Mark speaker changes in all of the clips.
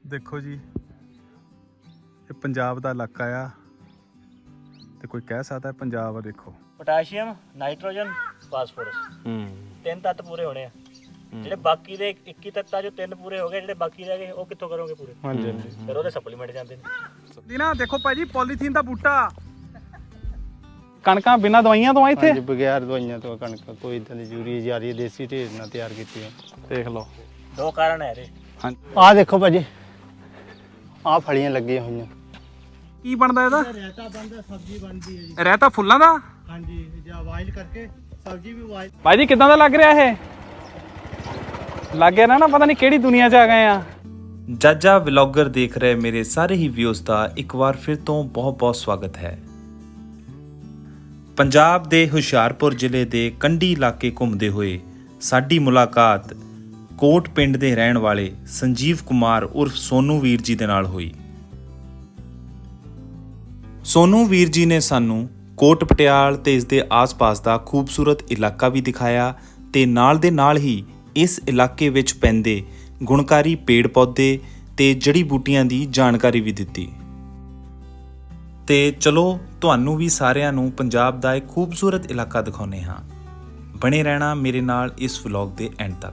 Speaker 1: ਦੇਖੋ ਜੀ, ਇਹ ਪੰਜਾਬ ਦਾ ਇਲਾਕਾ ਆ ਤੇ ਕੋਈ ਕਹਿ ਸਕਦਾ ਪੰਜਾਬ ਆ। ਦੇਖੋ
Speaker 2: ਪੋਟਾਸ਼ੀਅਮ, ਨਾਈਟ੍ਰੋਜਨ, ਫਾਸਫੋਰਸ ਤਿੰਨ ਤੱਤ ਪੂਰੇ ਹੋਣੇ ਆ। ਜਿਹੜੇ ਬਾਕੀ ਦੇ 21 ਤੱਤਾਂ ਚੋਂ ਤਿੰਨ ਪੂਰੇ ਹੋ ਗਏ, ਜਿਹੜੇ ਬਾਕੀ ਰਹਿ ਗਏ ਉਹ ਕਿੱਥੋਂ ਕਰੋਗੇ ਪੂਰੇ?
Speaker 1: ਹਾਂਜੀ ਹਾਂਜੀ।
Speaker 2: ਫਿਰ ਉਹਦੇ ਸਪਲੀਮੈਂਟ ਜਾਂਦੇ ਨੇ।
Speaker 1: ਦੀ ਨਾ ਦੇਖੋ ਭਾਜੀ, ਪੋਲੀਥੀਨ ਦਾ ਬੂਟਾ, ਕਣਕਾਂ ਬਿਨਾਂ ਦਵਾਈਆਂ ਤੋਂ ਆ ਇੱਥੇ।
Speaker 3: ਹਾਂਜੀ, ਬਗੈਰ ਦਵਾਈਆਂ ਤੋਂ ਕਣਕ, ਕੋਈ ਇਦਾਂ ਦੀ ਯੂਰੀਆ ਜਾਰੀ ਦੇਸੀ ਢੇਰ ਨਾਲ ਤਿਆਰ ਕੀਤੀ ਹੈ।
Speaker 1: ਦੇਖ ਲਓ,
Speaker 2: ਦੋ ਕਾਰਨ ਹੈ ਇਹਦੇ।
Speaker 1: ਹਾਂਜੀ।
Speaker 3: ਆਹ ਦੇਖੋ ਭਾਜੀ, ਆਹ ਫਲੀਆਂ ਲੱਗੀਆਂ ਹੋਈਆਂ।
Speaker 1: ਕੀ ਬਣਦਾ ਇਹਦਾ?
Speaker 3: ਰਾਇਤਾ ਬਣਦਾ, ਸਬਜ਼ੀ ਬਣਦੀ ਹੈ ਜੀ।
Speaker 1: ਰਹਿਤਾ ਫੁੱਲਾਂ ਦਾ।
Speaker 3: ਹਾਂਜੀ, ਜਾਂ ਵਾਇਲ ਕਰਕੇ ਸਬਜ਼ੀ ਵੀ ਵਾਇਲ।
Speaker 1: ਭਾਜੀ ਕਿਦਾਂ ਦਾ ਲੱਗ ਰਿਹਾ ਇਹ? ਲੱਗ ਗਿਆ ਨਾ ਪਤਾ ਨਹੀਂ ਕਿਹੜੀ ਦੁਨੀਆ 'ਚ ਆ ਗਏ ਆ।
Speaker 4: ਜਾਜਾ ਵਲੌਗਰ ਦੇਖ ਰਹੇ ਮੇਰੇ ਸਾਰੇ ਹੀ ਵਿਊਜ਼ ਦਾ ਇੱਕ ਵਾਰ ਫਿਰ ਤੋਂ ਬਹੁਤ-ਬਹੁਤ ਸਵਾਗਤ ਹੈ। ਪੰਜਾਬ ਦੇ ਹੁਸ਼ਿਆਰਪੁਰ ਜ਼ਿਲ੍ਹੇ ਦੇ ਕੰਢੀ ਇਲਾਕੇ ਘੁੰਮਦੇ ਹੋਏ ਸਾਡੀ ਮੁਲਾਕਾਤ ਕੋਟ ਪਿੰਡ ਦੇ ਰਹਿਣ ਵਾਲੇ ਸੰਜੀਵ ਕੁਮਾਰ ਉਰਫ ਸੋਨੂ ਵੀਰ ਜੀ ਦੇ ਨਾਲ ਹੋਈ। ਸੋਨੂ ਵੀਰ ਜੀ ਨੇ ਸਾਨੂੰ ਕੋਟ ਪਟਿਆਲ ਤੇ ਇਸ ਦੇ ਆਸ-ਪਾਸ ਦਾ ਖੂਬਸੂਰਤ ਇਲਾਕਾ ਵੀ ਦਿਖਾਇਆ ਤੇ ਨਾਲ ਦੇ ਨਾਲ ਹੀ ਇਸ ਇਲਾਕੇ ਵਿੱਚ ਪੈਂਦੇ ਗੁਣਕਾਰੀ ਪੇੜ ਪੌਦੇ ਤੇ ਜੜੀ ਬੂਟੀਆਂ ਦੀ ਜਾਣਕਾਰੀ ਵੀ ਦਿੱਤੀ। ਤੇ ਚਲੋ ਤੁਹਾਨੂੰ ਵੀ ਸਾਰਿਆਂ ਨੂੰ ਪੰਜਾਬ ਦਾ ਇੱਕ ਖੂਬਸੂਰਤ ਇਲਾਕਾ ਦਿਖਾਉਂਦੇ ਹਾਂ। ਬਣੇ ਰਹਿਣਾ ਮੇਰੇ ਨਾਲ ਇਸ ਵਲੌਗ ਦੇ ਐਂਡ ਤੱਕ।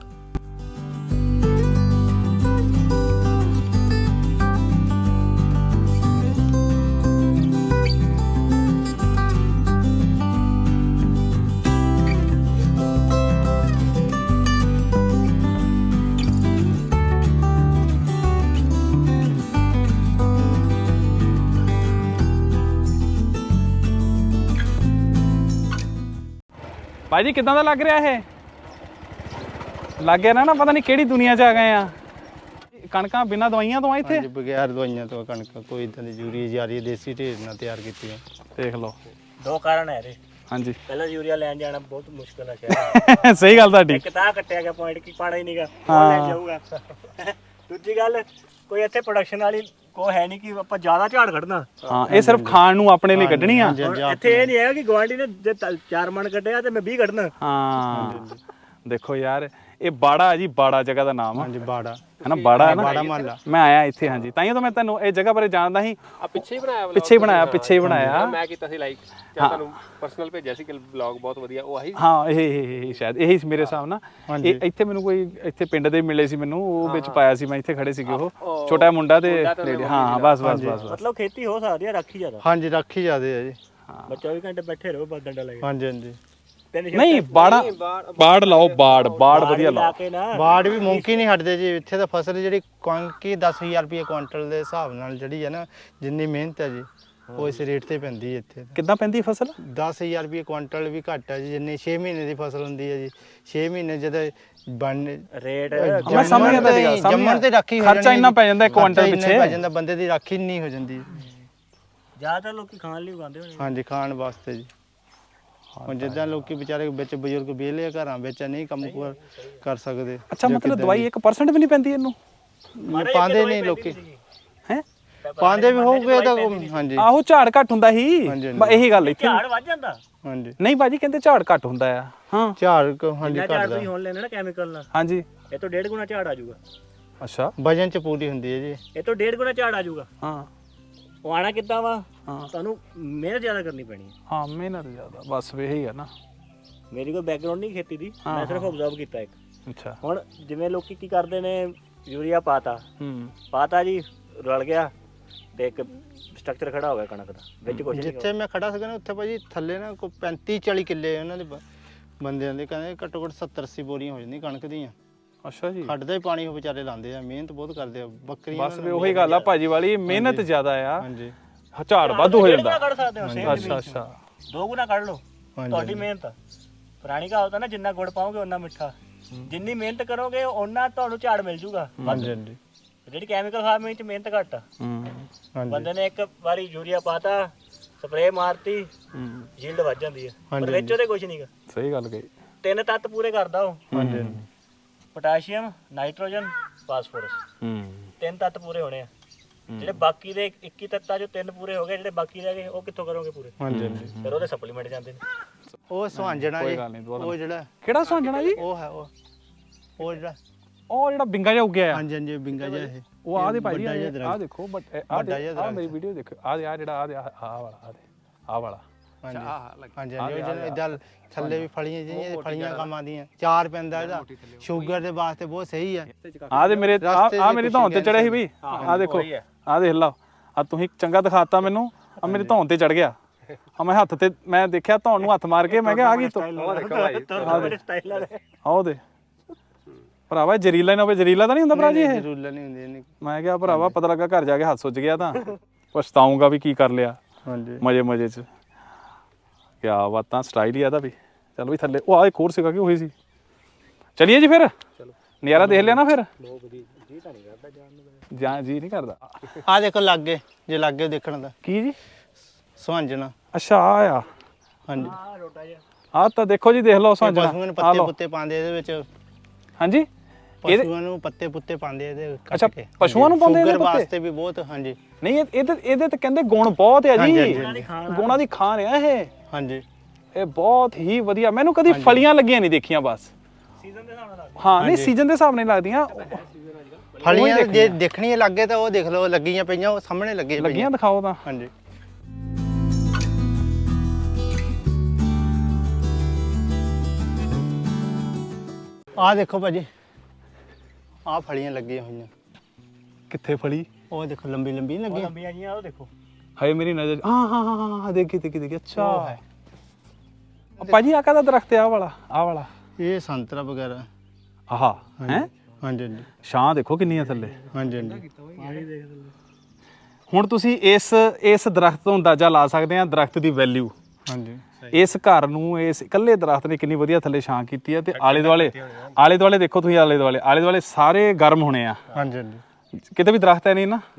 Speaker 1: ਭਾਜੀ ਕਿਦਾਂ ਦਾ ਲੱਗ ਰਿਹਾ ਇਹ? ਲੱਗ ਗਿਆ ਨਾ ਪਤਾ ਨਹੀਂ ਕਿਹੜੀ ਦੁਨੀਆ 'ਚ ਆ ਗਏ ਆ। ਕਣਕਾਂ ਬਿਨਾਂ ਦਵਾਈਆਂ ਤੋਂ ਆ ਇੱਥੇ।
Speaker 3: ਹਾਂਜੀ, ਬਗੈਰ ਦਵਾਈਆਂ ਤੋਂ ਕਣਕ, ਕੋਈ ਇਦਾਂ ਦੀ ਯੂਰੀਆ ਜਾਰੀ ਦੇਸੀ ਢੇਰ ਨਾਲ ਤਿਆਰ ਕੀਤੀ ਹੈ।
Speaker 1: ਦੇਖ ਲਓ,
Speaker 2: ਦੋ ਕਾਰਨ ਹੈ ਇਹਦੇ।
Speaker 1: ਹਾਂਜੀ।
Speaker 2: ਪਹਿਲਾਂ ਯੂਰੀਆ ਲੈਣ ਜਾਣਾ ਬਹੁਤ ਮੁਸ਼ਕਲ ਹੈ ਸ਼ਹਿਰ।
Speaker 1: ਸਹੀ ਗੱਲ ਤੁਹਾਡੀ।
Speaker 2: ਇੱਕ ਤਾਂ ਕੱਟਿਆ ਗਿਆ ਪੁਆਇੰਟ ਕਿ ਪਾਣਾ ਹੀ ਨਹੀਂਗਾ, ਉਹ ਲੈ ਜਾਊਗਾ। ਦੂਜੀ ਗੱਲ, ਕੋਈ ਇੱਥੇ ਪ੍ਰੋਡਕਸ਼ਨ ਵਾਲੀ ਕੋ ਹੈ ਨਹੀਂ ਕਿ ਆਪਾਂ ਜ਼ਿਆਦਾ ਝਾੜ ਕੱਢਣਾ।
Speaker 1: ਹਾਂ, ਇਹ ਸਿਰਫ ਖਾਣ ਨੂੰ ਆਪਣੇ ਲਈ ਕੱਢਣੀ ਆ।
Speaker 2: ਇੱਥੇ ਇਹ ਨਹੀਂ ਹੈਗਾ ਕਿ ਗਵਾਂਢੀ ਨੇ ਜੇ 4 ਮਣ ਕੱਢਿਆ ਤੇ ਮੈਂ 20 ਕੱਢਣਾ।
Speaker 1: ਹਾਂ ਦੇਖੋ ਯਾਰ, ਇਹ ਬਾੜਾ ਜੀ, ਬਾੜਾ ਜਗ੍ਹਾ ਦਾ ਨਾਮ ਆ।
Speaker 3: ਹਾਂਜੀ, ਬਾੜਾ
Speaker 1: ਹੈ ਨਾ, ਬਾੜਾ ਹੈ ਨਾ।
Speaker 3: ਬਾੜਾ ਮਹੱਲਾ।
Speaker 1: ਮੈਂ ਆਇਆ ਇੱਥੇ, ਹਾਂਜੀ, ਤਾਂ ਹੀ ਤਾਂ ਮੈਂ ਤੁਹਾਨੂੰ ਇਹ ਜਗ੍ਹਾ ਬਾਰੇ ਜਾਣਦਾ ਸੀ।
Speaker 5: ਪਿੱਛੇ ਹੀ ਬਣਾਇਆ
Speaker 1: ਪਿੱਛੇ ਹੀ ਬਣਾਇਆ।
Speaker 5: ਮੈਂ ਕੀਤਾ ਸੀ ਲਾਈਕ, ਜਾਂ ਤੁਹਾਨੂੰ ਪਰਸਨਲ ਭੇਜਿਆ ਸੀ ਕਿ ਵਲੌਗ ਬਹੁਤ ਵਧੀਆ, ਉਹ ਆਹੀ।
Speaker 1: ਹਾਂ, ਇਹ ਸ਼ਾਇਦ ਇਹੀ ਮੇਰੇ ਹਿਸਾਬ ਨਾਲ। ਇਹ ਇੱਥੇ ਮੈਨੂੰ ਕੋਈ ਇੱਥੇ ਪਿੰਡ ਦੇ ਮਿਲੇ ਸੀ ਮੈਨੂੰ, ਉਹ ਵਿੱਚ ਪਾਇਆ ਸੀ, ਮੈਂ ਇੱਥੇ ਖੜੇ ਸੀਗੇ ਉਹ ਛੋਟਾ ਮੁੰਡਾ ਤੇ ਲੇਡੀ। ਹਾਂ ਬਸ।
Speaker 2: ਮਤਲਬ ਖੇਤੀ ਹੋ ਸਕਦੀ ਹੈ, ਰਾਖੀ ਜ਼ਿਆਦਾ।
Speaker 3: ਹਾਂਜੀ, ਰਾਖੀ ਜ਼ਿਆਦੇ ਹੈ ਜੀ।
Speaker 2: ਹਾਂ, 24 ਘੰਟੇ ਬੈਠੇ ਰਹੋ, ਬਸ ਡੰਡਾ ਲੱਗੇ।
Speaker 3: ਹਾਂਜੀ ਹਾਂਜੀ।
Speaker 1: ਨਹੀਂ, ਬਾੜ ਲਾਓ, ਬਾੜ ਵਧੀਆ ਲਾਓ।
Speaker 3: ਬਾੜ ਵੀ ਮੁਮਕਿਨ ਨਹੀਂ ਹਟਦੇ ਜੀ। ਇੱਥੇ ਤਾਂ ਫਸਲ ਜਿਹੜੀ ਕਣਕੀ 10,000 ਰੁਪਏ ਕੁਇੰਟਲ ਦੇ ਹਿਸਾਬ ਨਾਲ ਜਿਹੜੀ ਹੈ ਨਾ, ਜਿੰਨੀ ਮਿਹਨਤ ਹੈ ਜੀ, ਉਹ ਇਸ ਰੇਟ ਤੇ ਪੈਂਦੀ ਹੈ ਇੱਥੇ।
Speaker 1: ਕਿੱਦਾਂ ਪੈਂਦੀ ਫਸਲ?
Speaker 3: 10,000 ਰੁਪਏ ਕੁਇੰਟਲ ਵੀ ਘੱਟ ਹੈ ਜੀ। ਜਿੰਨੀ 6 ਮਹੀਨੇ ਦੀ ਫਸਲ ਹੁੰਦੀ ਹੈ ਜੀ। 6 ਮਹੀਨੇ ਜਦੋਂ ਬਣ
Speaker 2: ਰੇਟ
Speaker 1: ਮੈਂ ਸਮਝ ਗਿਆ ਤੁਹਾਡੀ ਗੱਲ।
Speaker 3: ਜੰਮਣ ਤੇ ਰਾਖੀ
Speaker 1: ਖਰਚਾ ਇੰਨਾ ਪੈ ਜਾਂਦਾ ਕੁਇੰਟਲ ਪਿੱਛੇ,
Speaker 3: ਪੈ ਜਾਂਦਾ, ਬੰਦੇ ਦੀ ਰਾਖੀ ਨਹੀਂ ਹੋ ਜਾਂਦੀ।
Speaker 2: ਜ਼ਿਆਦਾਤਰ ਲੋਕੀ ਖਾਣ ਲਈ ਉਗਾਉਂਦੇ ਹੋਣੇ।
Speaker 3: ਹਾਂਜੀ, ਖਾਣ ਵਾਸਤੇ ਜੀ। ਹੁਣ ਜਿੱਦਾਂ ਲੋਕੀ ਵਿਚਾਰੇ ਵਿੱਚ ਬਜ਼ੁਰਗ ਵਿਹਲੇ ਘਰਾਂ ਵਿੱਚ ਨਹੀਂ ਕੰਮ ਕਰ ਸਕਦੇ।
Speaker 1: ਅੱਛਾ, ਮਤਲਬ ਦਵਾਈ 1% ਵੀ ਨਹੀਂ ਪੈਂਦੀ ਇਹਨੂੰ?
Speaker 3: ਪਾਉਂਦੇ ਨਹੀਂ ਲੋਕੀ।
Speaker 1: ਹੈ
Speaker 3: ਪਾਉਂਦੇ ਵੀ ਹੋਊਗੇ ਤਾਂ। ਹਾਂਜੀ,
Speaker 1: ਆਹੋ, ਝਾੜ ਘੱਟ ਹੁੰਦਾ ਸੀ। ਇਹੀ ਗੱਲ ਇੱਥੇ।
Speaker 2: ਝਾੜ ਵੱਧ ਜਾਂਦਾ।
Speaker 3: ਹਾਂਜੀ।
Speaker 1: ਨਹੀਂ ਭਾਜੀ, ਕਹਿੰਦੇ ਝਾੜ ਘੱਟ ਹੁੰਦਾ ਆ। ਹਾਂ,
Speaker 3: ਝਾੜ ਹਾਂਜੀ
Speaker 2: ਝਾੜ
Speaker 3: ਘਟਦਾ।
Speaker 2: ਤੁਸੀਂ ਹੁਣ ਲੈਣਾ ਨਾ ਕੈਮੀਕਲ ਨਾਲ,
Speaker 1: ਹਾਂਜੀ।
Speaker 2: ਇਹ ਤੋਂ 1.5 ਗੁਣਾ ਝਾੜ ਆ ਜਾਊਗਾ।
Speaker 1: ਅੱਛਾ,
Speaker 3: ਵਜਨ ਚ ਪੂਰੀ ਹੁੰਦੀ ਹੈ ਜੀ।
Speaker 2: ਇਹ ਤੋਂ 1.5 ਗੁਣਾ ਝਾੜ ਆ ਜਾਊਗਾ।
Speaker 1: ਹਾਂ।
Speaker 2: ਉਹ ਆਣਾ ਕਿੱਦਾਂ ਵਾ?
Speaker 1: ਹਾਂ।
Speaker 2: ਤੁਹਾਨੂੰ ਮਿਹਨਤ ਜ਼ਿਆਦਾ ਕਰਨੀ ਪੈਣੀ ਹੈ।
Speaker 1: ਹਾਂ, ਮਿਹਨਤ ਜ਼ਿਆਦਾ, ਬਸ ਇਹੀ ਆ ਨਾ।
Speaker 2: ਮੇਰੀ ਕੋਈ ਬੈਕਗ੍ਰਾਉਂਡ ਨਹੀਂ ਖੇਤੀ ਦੀ, ਮੈਂ ਸਿਰਫ ਆਬਜ਼ਰਵ ਕੀਤਾ ਇੱਕ।
Speaker 1: ਅੱਛਾ।
Speaker 2: ਹੁਣ ਜਿਵੇਂ ਲੋਕੀ ਕੀ ਕਰਦੇ ਨੇ, ਯੂਰੀਆ ਪਾਤਾ ਜੀ, ਰਲ ਗਿਆ ਤੇ ਇੱਕ ਸਟਰਕਚਰ ਖੜਾ ਹੋ ਗਿਆ ਕਣਕ ਦਾ, ਵਿੱਚ ਕੁਝ ਨਹੀਂ।
Speaker 3: ਜਿੱਥੇ ਮੈਂ ਖੜਾ ਸੀਗਾ ਨਾ, ਉੱਥੇ ਭਾਜੀ ਥੱਲੇ ਨਾ ਕੋਈ 35-40 ਕਿੱਲੇ ਉਹਨਾਂ ਦੇ ਬੰਦਿਆਂ ਦੇ, ਕਹਿੰਦੇ ਘੱਟੋ ਘੱਟ 70-80 ਬੋਰੀਆਂ ਹੋ ਜਾਂਦੀਆਂ ਕਣਕ ਦੀਆਂ।
Speaker 1: ਅੱਛਾ ਜੀ।
Speaker 3: ਖੱਡਦਾ ਹੀ ਪਾਣੀ ਉਹ ਵਿਚਾਰੇ ਲਾਉਂਦੇ ਆ, ਮਿਹਨਤ ਬਹੁਤ ਕਰਦੇ ਆ। ਬੱਕਰੀਆਂ
Speaker 1: ਬਸ ਵੀ ਉਹੀ ਗੱਲ ਆ ਭਾਜੀ ਵਾਲੀ, ਮਿਹਨਤ ਜ਼ਿਆਦਾ ਆ।
Speaker 3: ਹਾਂਜੀ,
Speaker 1: ਝਾੜ ਵਾਧੂ ਹੋ ਜਾਂਦਾ।
Speaker 2: ਕੱਢ ਸਕਦੇ ਹੋ ਸੇਮ
Speaker 1: ਅੱਛਾ ਅੱਛਾ।
Speaker 2: 2 ਗੁਣਾ ਕੱਢ ਲਓ, ਤੁਹਾਡੀ ਮਿਹਨਤ ਆ। ਪੁਰਾਣੀ ਕਹਾਵਤ ਆ ਨਾ, ਜਿੰਨਾ ਗੁੜ ਪਾਓਗੇ ਓਨਾ ਮਿੱਠਾ। ਜਿੰਨੀ ਮਿਹਨਤ ਕਰੋਗੇ ਓਨਾ ਤੁਹਾਨੂੰ ਝਾੜ ਮਿਲ ਜੂਗਾ।
Speaker 3: ਹਾਂਜੀ ਹਾਂਜੀ।
Speaker 2: ਜਿਹੜੀ ਕੈਮੀਕਲ ਫਾਰਮਿੰਗ ਚ ਮਿਹਨਤ ਘੱਟ ਆ।
Speaker 3: ਹਾਂਜੀ,
Speaker 2: ਬੰਦੇ ਨੇ ਇੱਕ ਵਾਰੀ ਯੂਰੀਆ ਪਾਤਾ, ਸਪਰੇਅ ਮਾਰਤੀ, ਯੀਲਡ ਵੱਧ ਜਾਂਦੀ ਹੈ, ਪਰ ਵਿੱਚ ਉਹਦੇ ਕੁਝ ਨਹੀਂਗਾ।
Speaker 1: ਸਹੀ ਗੱਲ ਕਹੀ।
Speaker 2: 3 ਤੱਤ ਪੂਰੇ ਕਰਦਾ ਉਹ।
Speaker 3: ਹਾਂਜੀ।
Speaker 2: ਪੋਟਾਸ਼ੀਅਮ, ਨਾਈਟ੍ਰੋਜਨ, ਫਾਸਫੋਰਸ ਤਿੰਨ ਤੱਤ ਪੂਰੇ ਹੋਣੇ ਆ। ਜਿਹੜੇ ਬਾਕੀ ਦੇ 21 ਤੱਤਾਂ ਚੋਂ 3 ਪੂਰੇ ਹੋ ਗਏ, ਜਿਹੜੇ ਬਾਕੀ ਰਹਿ ਗਏ ਉਹ ਕਿੱਥੋਂ ਕਰੋਗੇ ਪੂਰੇ?
Speaker 3: ਹਾਂਜੀ ਹਾਂਜੀ।
Speaker 2: ਫਿਰ ਉਹਦੇ ਸਪਲੀਮੈਂਟ ਜਾਂਦੇ ਨੇ।
Speaker 3: ਉਹ ਸੁਹਾਂਜਣਾ ਜੀ, ਉਹ ਜਿਹੜਾ
Speaker 1: ਕਿਹੜਾ ਸੁਹਾਂਜਣਾ ਜੀ?
Speaker 3: ਉਹ ਹੈ ਉਹ ਜਿਹੜਾ
Speaker 1: ਉਹ ਜਿਹੜਾ ਬਿੰਗਾ ਜਿਹਾ ਉੱਗਿਆ ਆ।
Speaker 3: ਹਾਂਜੀ ਹਾਂਜੀ, ਬਿੰਗਾ ਜਿਹਾ ਇਹ
Speaker 1: ਉਹ ਆਹ ਦੇ ਭਾਈ
Speaker 3: ਵੱਡਾ ਜਿਹਾ
Speaker 1: ਆਹ
Speaker 3: ਦਰਖਤ।
Speaker 1: ਦੇਖੋ ਬਟ
Speaker 3: ਵੱਡਾ ਜਿਹਾ
Speaker 1: ਆਹ ਮੇਰੀ ਵੀਡੀਓ ਦੇਖੋ ਆਹ ਜਿਹੜਾ ਆਹ ਵਾਲਾ
Speaker 3: ਹਾਂਜੀ ਹਾਂਜੀ ਹਾਂਜੀ ਉਹ ਇਦਾਂ ਥੱਲੇ ਵੀ ਫਲੀਆਂ ਜਿਹੜੀਆਂ ਫਲੀਆਂ ਕੰਮ ਆਉਂਦੀਆਂ ਚਾਰ ਪੈਂਦਾ ਇਹਦਾ ਸ਼ੂਗਰ ਦੇ ਵਾਸਤੇ ਬਹੁਤ ਸਹੀ ਹੈ।
Speaker 1: ਆਹ ਦੇ ਮੇਰੇ ਆਹ ਮੇਰੀ ਧੌਣ ਤੇ ਚੜਿਆ ਸੀ ਬਈ ਆਹ ਦੇਖੋ ਆਹ ਦੇਖ ਲਓ ਆ ਤੁਸੀਂ ਚੰਗਾ ਦਿਖਾਤਾ ਮੈਨੂੰ ਆ ਮੇਰੀ ਧੌਣ ਤੇ ਚੜ ਗਿਆ ਆ ਮੈਂ ਹੱਥ ਤੇ ਮੈਂ ਦੇਖਿਆ ਧੌਣ ਨੂੰ ਹੱਥ ਮਾਰ ਕੇ ਮੈਂ ਕਿਹਾ ਆ ਗਈ
Speaker 2: ਸਟਾਈਲ ਵਾਲੇ
Speaker 1: ਆਹ ਦੇ ਭਰਾਵਾ ਜ਼ਰੀਲਾ ਨਾ ਹੋਵੇ ਜ਼ਰੀਲਾ ਤਾਂ ਨਹੀਂ ਹੁੰਦਾ ਭਰਾ ਜੀ ਇਹ
Speaker 3: ਜ਼ਰੂਰ ਨਹੀਂ ਹੁੰਦੀ ਇਹਨੇ
Speaker 1: ਮੈਂ ਕਿਹਾ ਭਰਾਵਾ ਪਤਾ ਲੱਗਾ ਘਰ ਜਾ ਕੇ ਹੱਥ ਸੁੱਜ ਗਿਆ ਤਾਂ ਪਛਤਾਉਂਗਾ ਵੀ ਕੀ ਕਰ ਲਿਆ
Speaker 3: ਹਾਂਜੀ
Speaker 1: ਮਜ਼ੇ 'ਚ ਕਿਆ ਬਾਤਾਂ ਸਟਾਈਲ ਹੀ ਆਦਾ ਵੀ ਚਲ ਵੀ ਥੱਲੇ ਉਹ ਆ ਇੱਕ ਹੋਰ ਸੀਗਾ ਕਿ ਉਹੀ ਸੀ ਚਲਿਏ ਜੀ ਫਿਰ ਨਜ਼ਾਰਾ ਦੇਖ ਲਿਆ ਨਾ ਫਿਰ ਜੀ ਨਹੀਂ ਕਰਦਾ
Speaker 3: ਆ ਦੇਖੋ ਲੱਗੇ ਜੇ ਲੱਗੇ ਦੇਖਣ ਦਾ
Speaker 1: ਕੀ ਜੀ
Speaker 3: ਸੁਹਾਂਜਣਾ
Speaker 1: ਅੱਛਾ ਆ
Speaker 3: ਹਾਂਜੀ
Speaker 1: ਆ ਤਾਂ ਦੇਖੋ ਜੀ ਦੇਖ ਲਓ ਸਾਂਝਾ
Speaker 3: ਪਸ਼ੂਆਂ ਨੂੰ ਪੱਤੇ ਪੁੱਤੇ ਪਾਉਂਦੇ ਇਹਦੇ ਵਿੱਚ
Speaker 1: ਹਾਂਜੀ
Speaker 3: ਪਸ਼ੂਆਂ ਨੂੰ ਪੱਤੇ ਪੁੱਤੇ ਪਾਉਂਦੇ ਇਹਦੇ ਕੱਟ
Speaker 1: ਅੱਛਾ
Speaker 3: ਕੇ।
Speaker 1: ਪਸ਼ੂਆਂ ਨੂੰ ਪਾਉਂਦੇ
Speaker 3: ਸ਼ੂਗਰ
Speaker 1: ਇਹਦੇ ਪੱਤੇ
Speaker 3: ਵਾਸਤੇ ਵੀ ਬਹੁਤ ਹਾਂਜੀ
Speaker 1: ਨਹੀਂ ਇਹਦੇ ਤੇ ਕਹਿੰਦੇ ਗੁਣ ਬਹੁਤ ਆ ਜੀ
Speaker 3: ਹਾਂਜੀ, ਹਾਂਜੀ,
Speaker 1: ਗੁਣਾਂ ਦੀ ਖਾਨ ਆ ਇਹ
Speaker 3: ਹਾਂਜੀ
Speaker 1: ਇਹ ਬਹੁਤ ਹੀ ਵਧੀਆ ਮੈਨੂੰ ਕਦੀ ਫਲੀਆਂ ਲੱਗੀਆਂ ਨਹੀਂ ਦੇਖੀਆਂ ਬਸ
Speaker 2: ਸੀਜ਼ਨ ਦੇ ਹਿਸਾਬ ਨਾਲ
Speaker 1: ਹਾਂ ਨਹੀਂ ਸੀਜ਼ਨ ਦੇ ਹਿਸਾਬ ਨਾਲ ਲੱਗਦੀਆਂ
Speaker 3: ਫਲੀਆਂ ਜੇ ਦੇਖਣੀ ਲੱਗੇ ਤਾਂ ਉਹ ਦੇਖ ਲਓ ਲੱਗੀਆਂ ਪਈਆਂ ਉਹ ਸਾਹਮਣੇ ਲੱਗੇ
Speaker 1: ਲੱਗੀਆਂ ਦਿਖਾਓ ਤਾਂ
Speaker 3: ਹਾਂਜੀ ਆਹ ਦੇਖੋ ਭਾਜੀ ਆਹ ਫਲੀਆਂ ਲੱਗੀਆਂ ਹੋਈਆਂ
Speaker 1: ਕਿੱਥੇ ਫਲੀ
Speaker 3: ਉਹ ਦੇਖੋ ਲੰਬੀ ਲੰਬੀ
Speaker 2: ਉਹ
Speaker 3: ਲੱਗੀਆਂ
Speaker 2: ਲੰਬੀਆਂ ਜੀਆਂ ਉਹ ਦੇਖੋ
Speaker 1: ਹਾਏ ਮੇਰੀ ਨਜ਼ਰ ਹਾਂ ਦੇਖੀ ਅੱਛਾ
Speaker 3: ਉਹ ਹੈ।
Speaker 1: ਭਾਜੀ ਆ ਕਾਹਦਾ ਦਰਖਤ ਆ ਆਹ ਵਾਲਾ
Speaker 3: ਇਹ ਸੰਤਰਾ ਵਗੈਰਾ
Speaker 1: ਆਹਾ ਹੈ
Speaker 3: ਹਾਂਜੀ ਹਾਂਜੀ
Speaker 1: ਛਾਂ ਦੇਖੋ ਕਿੰਨੀ ਆ ਥੱਲੇ
Speaker 3: ਹਾਂਜੀ ਹਾਂਜੀ
Speaker 2: ਪਾਣੀ ਦੇਖ ਲਓ
Speaker 1: ਹੁਣ ਤੁਸੀਂ ਇਸ ਦਰਖਤ ਤੋਂ ਅੰਦਾਜ਼ਾ ਲਾ ਸਕਦੇ ਆ ਦਰਖਤ ਦੀ ਵੈਲਿਊ
Speaker 3: ਹਾਂਜੀ
Speaker 1: ਇਸ ਘਰ ਨੂੰ ਇਸ ਇਕੱਲੇ ਦਰਖਤ ਨੇ ਕਿੰਨੀ ਵਧੀਆ ਥੱਲੇ ਛਾਂ ਕੀਤੀ ਆ ਤੇ ਆਲੇ ਦੁਆਲੇ ਦੇਖੋ ਤੁਸੀਂ ਆਲੇ ਦੁਆਲੇ ਸਾਰੇ ਗਰਮ ਹੋਣੇ ਆ
Speaker 3: ਹਾਂਜੀ ਹਾਂਜੀ
Speaker 1: ਕਿਤੇ ਵੀ ਦਰਖਤ ਹੈ ਨਹੀਂ ਨਾ